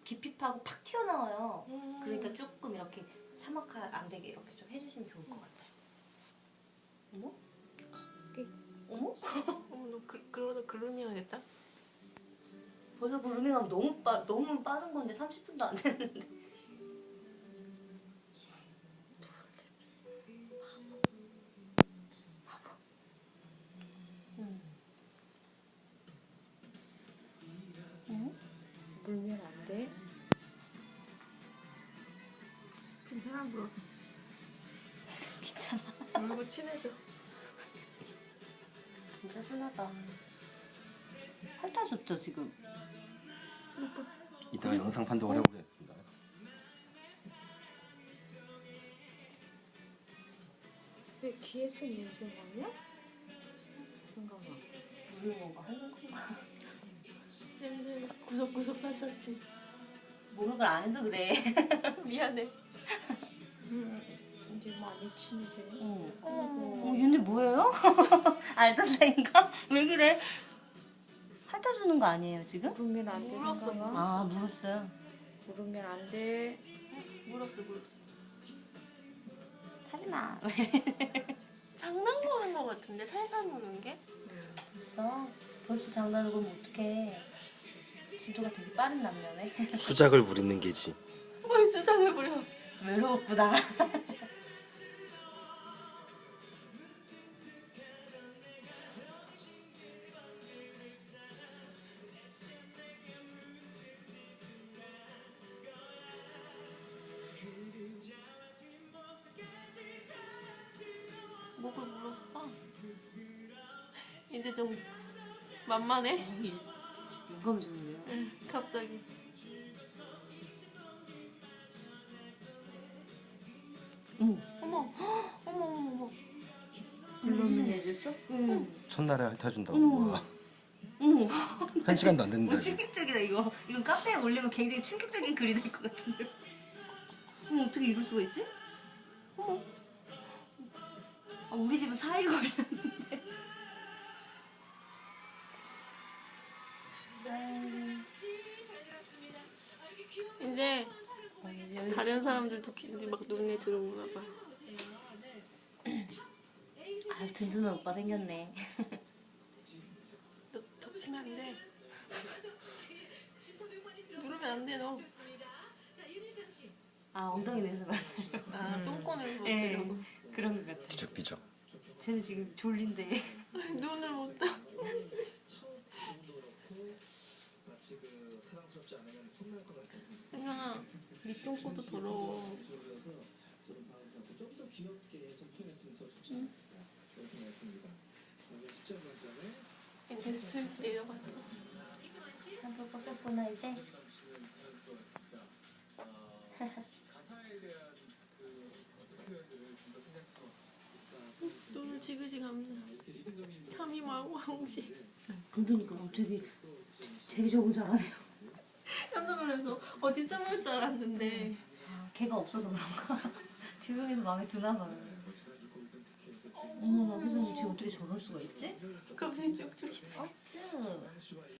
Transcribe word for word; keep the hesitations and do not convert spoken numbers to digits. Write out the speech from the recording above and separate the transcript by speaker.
Speaker 1: 깊이 파고 팍 튀어나와요.
Speaker 2: 음.
Speaker 1: 그러니까 조금 이렇게 사막화 안 되게 이렇게 좀 해주시면 좋을 것 같아요. 어머? 어머?
Speaker 2: 어머 너 그, 그러다 그루밍하겠다?
Speaker 1: 벌써 그루밍하면 너무 빠 너무 빠른 건데 삼십 분도 안 됐는데. 음. 응?
Speaker 3: 물면 안 돼?
Speaker 2: 괜찮아 물어서.
Speaker 1: 귀찮아.
Speaker 2: 물고 친해져.
Speaker 1: 진짜 순하다. 핥아줬죠 지금.
Speaker 4: 이따가 영상 판독을 해보겠습니다.
Speaker 3: 왜 귀에서 냄새 나냐? 잠깐만.
Speaker 1: 물을 뭔가 하는 건가?
Speaker 2: 냄새 구석구석 샀었지.
Speaker 1: 목욕을 안 해서 그래.
Speaker 2: 미안해.
Speaker 3: 음, 이제 많이 친해져.
Speaker 1: 응.
Speaker 3: 어머.
Speaker 1: 어, 얘네 뭐예요? 알던 사이인가? 왜 그래? 핥아주는 거 아니에요 지금?
Speaker 3: 물으면 안 되는
Speaker 2: 물었어,
Speaker 3: 거야?
Speaker 1: 아 물었어요.
Speaker 3: 물으면 안 돼.
Speaker 2: 물었어 물었어.
Speaker 1: 하지마.
Speaker 2: 장난 거는 거 같은데 살살 무는 게?
Speaker 1: 벌써? 벌써 장난을 걸면 어떡해. 진도가 되게 빠른 남녀네.
Speaker 4: 수작을 부리는 게지.
Speaker 2: 뭘 수상을 부려.
Speaker 1: 외로웠구나.
Speaker 2: 목을 물었어. 이제 좀 만만해.
Speaker 1: 이제 용감해졌네요.
Speaker 2: 응, 갑자기.
Speaker 1: 어머.
Speaker 2: 어머, 어머, 어머, 어머.
Speaker 3: 물으면 해줬어?
Speaker 1: 응.
Speaker 4: 첫날에 핥아준다고.
Speaker 1: 어머.
Speaker 4: 와.
Speaker 1: 어머.
Speaker 4: 한 시간도 안
Speaker 1: 어,
Speaker 4: 됐는데.
Speaker 1: 충격적이다 이거. 이건 카페에 올리면 굉장히 충격적인 글이 될 것 같은데. 어머 어떻게 이럴 수가 있지? 어머. 아, 우리 집은 사 일 걸렸는데.
Speaker 2: 이제 다른 사람들도 이제 막 눈에 들어오나 봐.
Speaker 1: 아 든든한 오빠 생겼네.
Speaker 2: 너 덮치면 안 돼. 누르면 안 돼, 너.
Speaker 1: 아 엉덩이 내서 만나려고.
Speaker 2: 아, 똥꼬를
Speaker 1: 예,
Speaker 2: 못하려고.
Speaker 1: 그런 것 같아.
Speaker 4: 뒤적뒤적.
Speaker 1: 쟤는 지금 졸린데.
Speaker 2: 눈을 못 떠. 그냥 네 똥꼬도 더러워. 응? 됐을 내려가서.
Speaker 1: 한번 꺾였구나 이제.
Speaker 2: 눈을 지그시 감는 참이하고 황시.
Speaker 1: 그러니까 되게 되게 적응 잘하네요.
Speaker 2: 깜짝 놀라서 어디 숨을 줄 알았는데.
Speaker 1: 아, 걔가 없어서 그런가? 조용해서 마음에 드나 봐요. 어머나 세상에 쟤 어떻게 저럴 수가 있지?
Speaker 2: 갑자기 쭉쭉이.
Speaker 1: 어쭈.